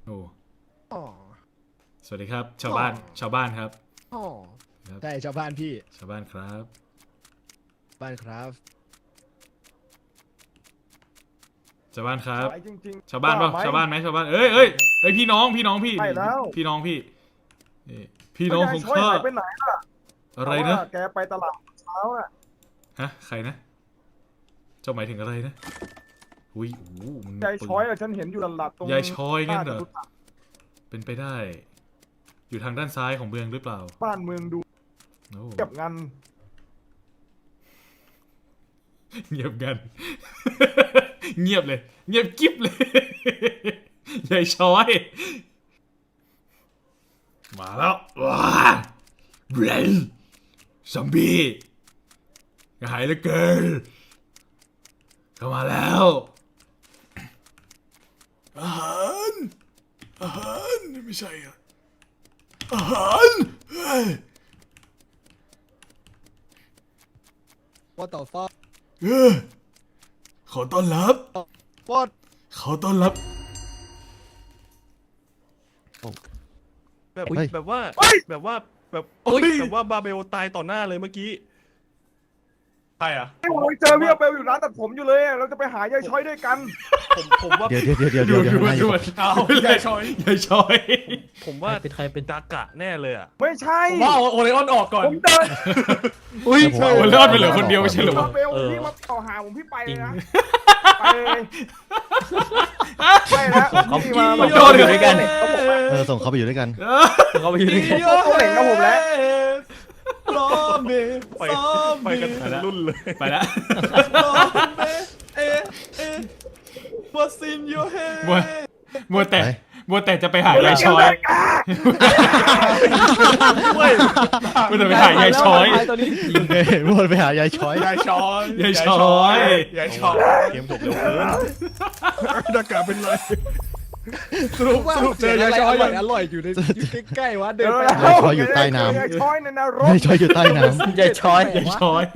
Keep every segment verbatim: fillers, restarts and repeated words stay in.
โอ้อ๋อสวัสดีครับ ชาวบ้านชาวบ้านครับอ๋อใช่ชาวบ้านพี่ชาวบ้านครับบ้านครับชาวบ้านครับจริงๆชาวบ้านเปล่าไหมชาวบ้านไหมชาวบ้านเอ้ยเอ้ยเอ้ยพี่น้องพี่น้องพี่ใช่แล้วพี่น้องพี่นี่พี่น้องของช่วยข้าหายไปไหนล่ะอะไรนะเพาว่าแกไปตลาดเช้าน่ะฮะใครนะเจ้าหมายถึงอะไรนะอุ้ยโอ้โหมันยายช้อยอะฉันเห็นอยู่หลับๆตรงยายช้อยงั้นเหรอจตุจักเป็นไปได้ อยู่ทางด้านซ้ายของเมืองหรือเปล่าบ้านเมืองดูโอ้เก็บงันเงียบกัน เงียบเลย เงียบกิ๊บเลย ยายช้อย มาแล้วว้าเบรนซอมบี้กระหายเหลือเกินเข้ามาแล้วอาหารอาหารไม่ใช่อะอาหารเฮ้ย What the fuck เออขอต้อนรับ What ขอต้อนรับแบบเฮ้ยแบบว่าแบบว่าแบบโอ้ยแบบว่าบาเบลตายต่อหน้าเลยเมื่อกี้ใครอ่ะไอ้ผมเจอพี่เบลอยู่ร้านตัดผมอยู่เลยอะเราจะไปหายายช้อยด้วยกันผมผมว่าเดี๋ยวเดี๋ยวเดี๋ยวเดี๋ยวเดี๋ยวดูเดี๋ยวดูนายดูเอายายช้อยยายช้อยผมว่าเป็นใครเป็นดากะแน่เลยอ่ะไม่ใช่ว่าโอเลออนออกก่อนผมเดินอุ้ยโอ้ยรอดไปเหลือคนเดียวไม่ใช่เหรอวะเบลพี่มาต่อหาผมพี่ไปเลยนะไปเลยไปแล้วเขาพี่มาเขามาอยู่ด้วยกันเขาบอกว่าเออส่งเขาไปอยู่ด้วยกันเขาไปยืนเขาเหล่งกับผมแล้วรอเมไปไปกันทั้งรุ่นเลยไปแล้วรอเมเอเอ What's in your head มัวมัวแต่ไปมัวแต่จะไปหายายช้อยเว้ยมัวแต่ไปหายายช้อยยิงเลยวนไปหายายช้อยยายช้อยยายช้อยยายช้อยเกมจบเร็วเกินดากะเป็นไรสรุปสรุปเจอยายช้อยอร่อยอร่อยอยู่ในอยู่ใกล้ๆวะเดินไปยายช้อยอยู่ใต้น้ำยายช้อยในนรกยายช้อยอยู่ใต้น้ยายช้อยยายช้อย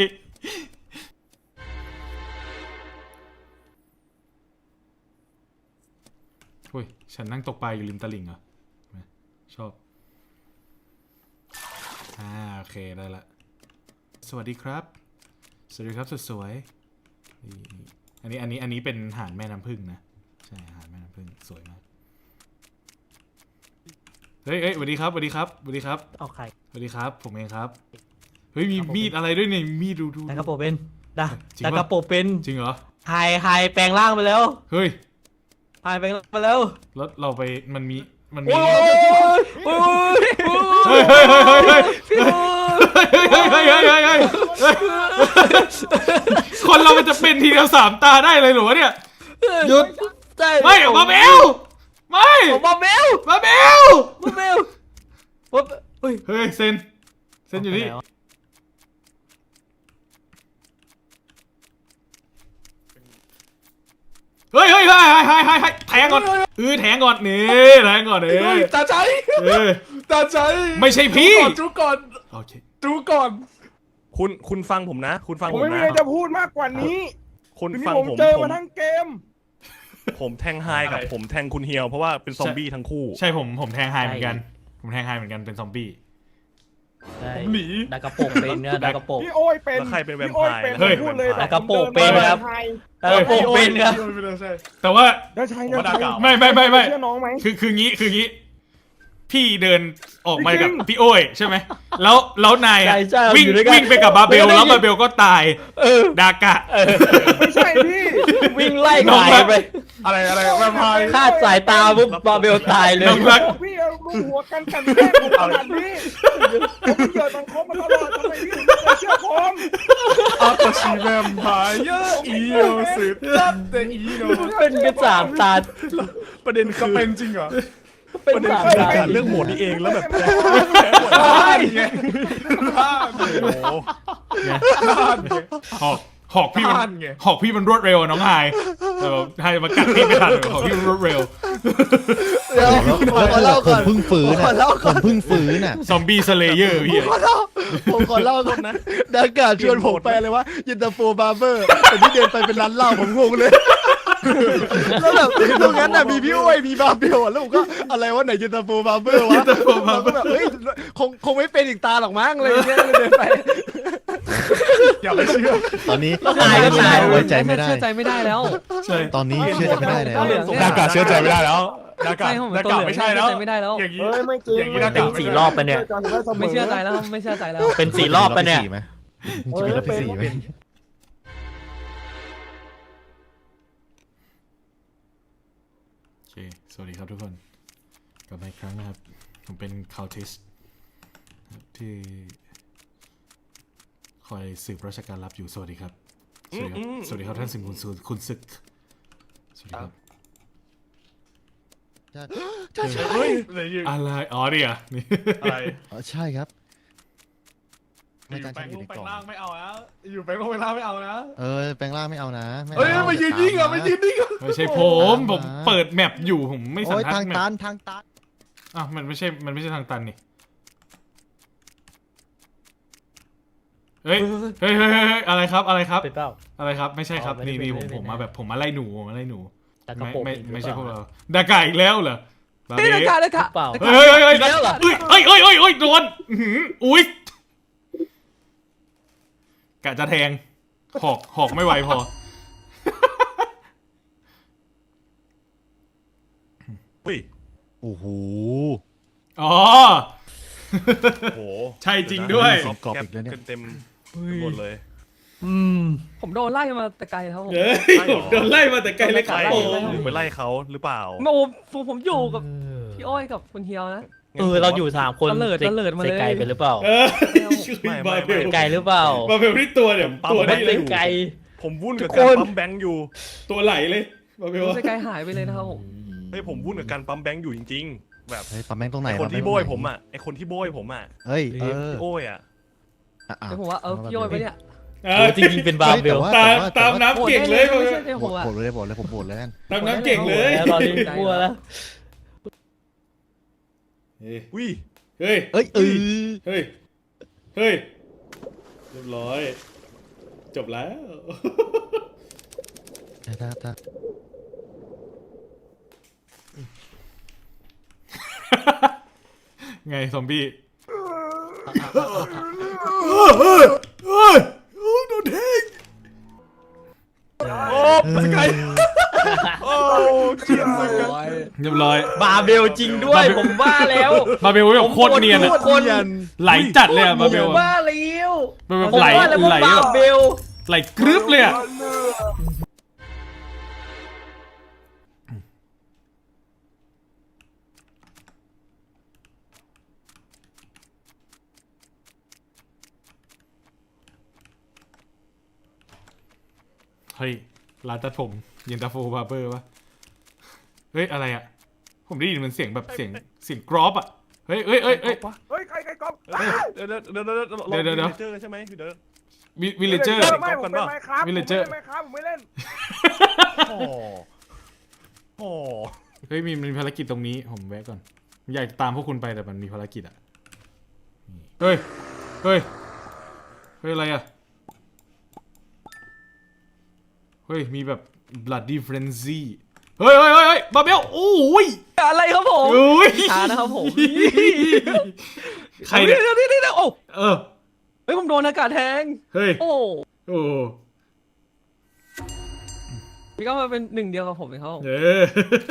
โอ้ยฉันนั่งตกปลาอยู่ริมตลิ่งเหรอชอบอ่าโอเคได้ละสวัสดีครับสวัสดีครับสุดสวยนี่อันนี้อันนี้อันนี้เป็นหาดแม่น้ำผึ้งนะใช่หาดแม่น้ำผึ้งสวยมากเฮ้ยเฮ้ยสวัสดีครับสวัสดีครับสวัสดีครับเอาใครสวัสดีครับผมเองครับเฮ้ยมีมีดอะไรด้วยเนี่ยมีดดูดูดากาโปเป็นดาจริงดาปะกาโปเป็นจริงเหรอไฮไฮแปลงร่างไปแล้วเฮ้ยไฮแปลงร่างไปแล้วแล้วเราไปมันมีมันมีโอ้ยโอ้ยโอ้ยเฮ้ยเฮ้ยเฮ้ยเฮ้ยเฮ้ยพี่โอ้ยเฮ้ยเฮ้ยเฮ้ยเฮ้ยเฮ้ยเฮ้ยคนเรามันจะเป็นทีเดียวสามตาได้เลยหรือวะเนี่ยหยุดใช่ไม่ออกมาเบลไม่ผมมาเบลมาเบลมาเบลว่าเฮ้ยเฮ้ยเซนเซนอยู่นี่เฮ้ยเฮ้ยเฮ้ยเฮ้ยเฮ้ยเฮ้ยแทงก่อนเออแทงก่อนนี่แทงก่อนเออตาใจเออตาใจไม่ใช่พี่จูก่อนโอเคจูก่อน คุณคุณฟังผมนะ คุณฟังผมผมไม่มีนะอะไรจะพูดมากกว่านี้คุณทีนี้ฟังผมผมเจอผมมาทั้งเกมผมแทงไฮกับผมแทงคุณเฮียวเพราะว่าเป็นซอมบี้ทั้งคู่ใช่ผมผมแทงไฮเหมือนกันผมแทงไฮเหมือนกันเป็นซอมบี้ใช่หนีดากาโปเป็นเนี่ยดากาโปพี่โอ้ยเป็นแล้วใครเป็นแวมพี่โอ้ยไพร์เป็นเฮ้ยพูดเลยแล้วกระโปรงเป็นครับ ดากาโปเป็นครับแต่ว่าแล้วใช่ผมว่าแล้วดาใช่เก่าไม่ไม่ไม่ไม่เชื่อน้องไหมคือคืองี้คืองี้ พี่เดินออกมาจริงกับพี่โอ้ยใช่ไหมแล้วแล้วนายอะใช่ใช่วิ่งอยู่ด้วยกันวิ่งไปกับบาเบลไม่ได้แล้วบาเบลก็ตายเออดากะไม่ใช่พี่วิ่งไล่น้องหายรักไปอะไรอะไรแวมไพร์คาดสายตาปุ๊บ บาเบลตายเลยน้องรักพี่เอาลูหัวกันกันแกล้งผมขนาดนี้ผมเหยื่อสังคมมาตลอดทำไมพี่ถึงไม่เชื่อผมอาตาชิแวมไพร์เยอะอีโนสึตัดแต่อีโนเป็นกระสามตาประเด็นคือเป็นจริงเหรอเป็นประเด็นสามคือตาการเรื่องโหมดนี้เองแล้วแบบแพ้หมดพลาดไงพลาดโอ้โหพลาดไงหอกหอกพี่มัพลาดนไงหอกพี่มันรวดเร็วอะน้องไฮแต่แบบไฮมากัดพี่ไม่ทันหอกพี่มันรวดเร็วเดี๋ยวำขอเล่าผก่อมนเพิ่งฟื้นขออ่ะเล่าผก่อนมเพิ่งฟื้นอ่ะซอมบี้สเลเยอร์พี่ขอเล่าผมขอเล่าก่อนนะดากาชวนผมไปเลยว่ายินตาโฟบาร์เบอร์แต่ที่เดินไปเป็นร้านเหล้าผมงงเลยแล้วแบบตรงนั้นน่ะมีพี่อ้วยมีบาเบลแล้วผมก็อะไรวะไหนเย็นตาโฟบาเบลวะเราก็แบบเฮ้ยคงคงไม่เป็นอีกตาหรอกมั้งอะไรอย่างเงี้ยเลยเดินไปอย่าไปเชื่อตอนนี้ตายก็ตายไว้ใจไม่ได้เชื่อใจไม่ได้แล้วใช่ตอนนี้เชื่อใจไม่ได้แล้วหน้ากากเชื่อใจไม่ได้แล้วหน้ากากใช่ผมหเป็น้าน กากตัวเหลืองไม่ใช่แล้วเชื่อใจไม่ได้แล้วอย่างนี้เฮ้ยไม่จริงอย่างนี้หน้ากากเป็นสี่รอบไปเนี่ยไม่เชื่อใจแล้วไม่เชื่อใจแล้วเป็นสี่รอบปะเนี่ยจะมีรอบที่สี่ไหมโอเคสวัสดีครับทุกคนกลับมาอีกครั้งนะครับผมเป็นคาวทิสที่คอยสืบราชการลับอยู่สวัสดีครับสวัสดีครับสวัสดีครับท่านสิงห์คุณสุคุณศึกสวัสดีครับเฮ้ยอะไรอยู่อะไรอ๋อเนี่ยนี่อะไรอ๋อใช่ครับอไม่ยู่ตั้งแปลใจงอยู่ลในงแปลกล่องงล่างไม่เอานะอยู่แปลงลงแปลงล่างไม่เอานะเออแปลงร่างไม่เอานะไม่เฮ้ยเอามายืนยิงอ่ะมายืนยิงอ่ะไม่ใช่ผมผมเปิดแมปอยู่ผมไม่สันโอ้ยทัดทางแมตัปนทางตันอ้าวมันไม่ใช่มันไม่ใช่ทางตันนี่เฮ้ยเฮ้ยเฮ้ยเฮ้ยเฮ้ยอะไรครับอะไรครับเป็นเปล่าอะไรครับไม่ใช่ครับอ๋อไม่นี่ได้นี่เป็นผมไม่ได้ผมมาแบบผมมาไล่หนูผมมาไล่หนูแต่กระไม่โปรงไม่อีกหรือไม่ใช่พวกเปล่าเราดากาอีกแล้วเหรอบานี่เบ้เลยค่ะเลยค่ะเปล่าเฮ้ยเฮ้ยเฮ้ยอีกแล้วเหรอเฮ้ยเฮ้ยเฮ้ยเฮ้ยเฮ้ยโดนอื้อหืออุ้ยกะจะแทงหอกหอกไม่ไหวพออุ้ยโอ้โหอ๋อโหใช่จริงด้วยกรอบอีกแล้วเนี่ยเต็มหมดเลยอืมผมโดนไล่มาแต่ไกลครับผมเฮ้ยผมโดนไล่มาแต่ไกลเลยครับไล่ผมหรือไปไล่เขาหรือเปล่าโอ้ผมผมอยู่กับพี่อ้อยกับคุณเฮียวนะเออเราอยู่สามคนตะเลิดตะเลิดมาเลยไกลไปหรือเปล่าเออไม่ไม่บาเบไม่ลไกลหรือเปล่าบาเบลนี่ตัวเนี่ยปั๊มตัวมันี่นเลเป็ยนไกลผมวุ่นกับทุการกคนปั๊มแบงค์อยู่ตัวไหลเลยบาเบลแต่ไกลหายไปเลยนะครับผมเฮ้ยผมวุ่นกับการปั๊มแบงค์อยู่จริงๆ แบบเฮ้ยปั๊มแม่งตรงไหนไอคนที่ปั๊โบแงยตรงไหนผมอ่ะไอคนที่โบยผมอ่ะเฮ้ยเออพี่โอ้ยอ่ะอ่ะอ่ะเดี๋ยวผมว่าเออพี่อ้อยไปเนี่ยเอโอ้อจริงๆเป็นบาร์เบลฮ้ยตามแต่ว่ตามโหวน้ำเก่งเลยไม่ใช่ในโหหัววตโหวตเลยโหวตเลยผมโหวตเลยกันตามน้ำเก่งเลยแล้วตอนนี้กลัวแล้วเฮ้ยอุ้ยเฮ้ยเอ้ยเออเฮ้ย เฮ้ย เรียบร้อย จบแล้วถ้าถ้าถ้าไงซอมบี้โดนแทงโอ้สกายโอ้เฉียบสกายเรียบร้อยบาร์เบลจริงด้วยผมว่าแล้วบาเบลแบบโคตรเนียนอะโคตรเนียนไหลจัดเลยอะบาเบลผมอะว่าแล้วมันแบบผมไหลว่าแล้วไหลว่าแบบบาร์เบลไหลกรึบเลยอะเฮ้ยร้านตัดผมเย็นตาโฟบาร์เบอร์วะเฮ้ยอะไรอะผมได้ยินมันเสียงแบบเสียงเสียงกรอบอะเฮ้ยเฮ้ยเฮ้ยเฮ้ยเฮ้ยใครใครก๊อฟเดี๋ยวเดี๋ยวเดี๋ยวเดี๋ยวเดี๋ยวเดี๋ยวเดี๋ยวเจอใช่ไหมเดี๋ยววิลเลเจอร์ไม่ผมเป็นไมค์ครับ Villager ไมค์ครับผมไม่เล่นโอ้โหเฮ้ยมีมีภารกิจตรงนี้ผมแวะก่อนอยากตามพวกคุณไปแต่มันมีภารกิจอ่ะเฮ้ยเฮ้ยเฮ้ยอะไรอ่ะเฮ้ยมีแบบ bloody frenzy เฮ้ยเฮ้ยเฮ้ยเฮ้ยบาเบลโอ้ยอะไรครับผมโอ้ยช้านะครับผมใครเนี่ยเดี๋ยวเดี๋ยวเดี๋ยวโอ้เออเฮ้ยผมโดนอากาศแทงเฮ้ยโอ้โอ้พี่ก็มาเป็นหนึ่งเดียวกับผมเองครับผมเออ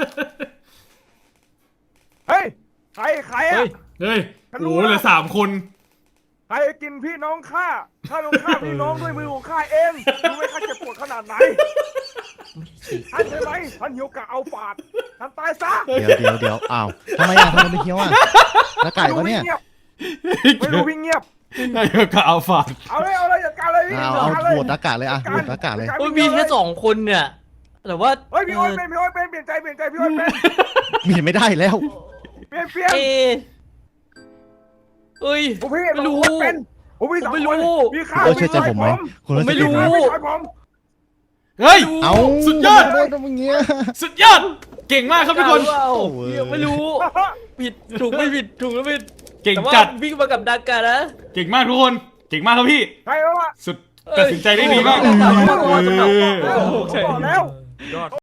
เฮ้ยใครใครเฮ้อะยเฮ้ยฉันรู้โอ้เหลือแล้วสามคนใครกินพี่น้องข้าข้าต้องฆ่าพี่น้องด้วยมือของข้าเองรู้ไหมข้าเจ็บปวดขนาดไหนท่านใช่ไหมท่านหิวกะเอาปาดท่านตายซะเดี๋ยวเดี๋ยวเดี๋ยวอ้าวทำไมอ่ะทำไมไม่เคี้ยวอ่ะแล้วไก่ปะเนี่ยไม่รู้วิ่งเงียบนายกะเอาฝาดเอาเลยเอาเลยจัดการเลยพี่เอาจัดเอาการเลยโหวตอากาศเลยอ่ะโหวตอากาศเลยโอ้ยมีแค่สองคนเนี่ยแต่ว่าเฮ้ยพี่อ้อยเป็นพี่อ้อยเป็นเปลี่ยนใจเปลี่ยนใจพี่อ้อยเป็นมีไม่ได้แล้วเปลี่ยนเปลี่ยนเอเอ้ยผมพี่ไม่รู้ผมเป็นผมพี่สองผมไม่คนรู้พี่ข้าคุณเชื่อใจผมไหมคุณผมไม่เชื่อใจรู้ผมพี่ชายผมเฮ้ยเอาสุดยอดทำไมโดนอย่างเงี้ยสุดยอดเก่งมากครับทุกคนเปล่าโอ้ยไม่รู้ผิดถูกไม่ผิดถูกแล้วผิดเก่งแต่ว่าจัดวิ่งมากับดากานะเก่งมากทุกคน เก่งมากครับพี่ใครแล้ววะสุดตัดสินใจได้ดีมากเอ้ยเออผมบอกแล้วยอด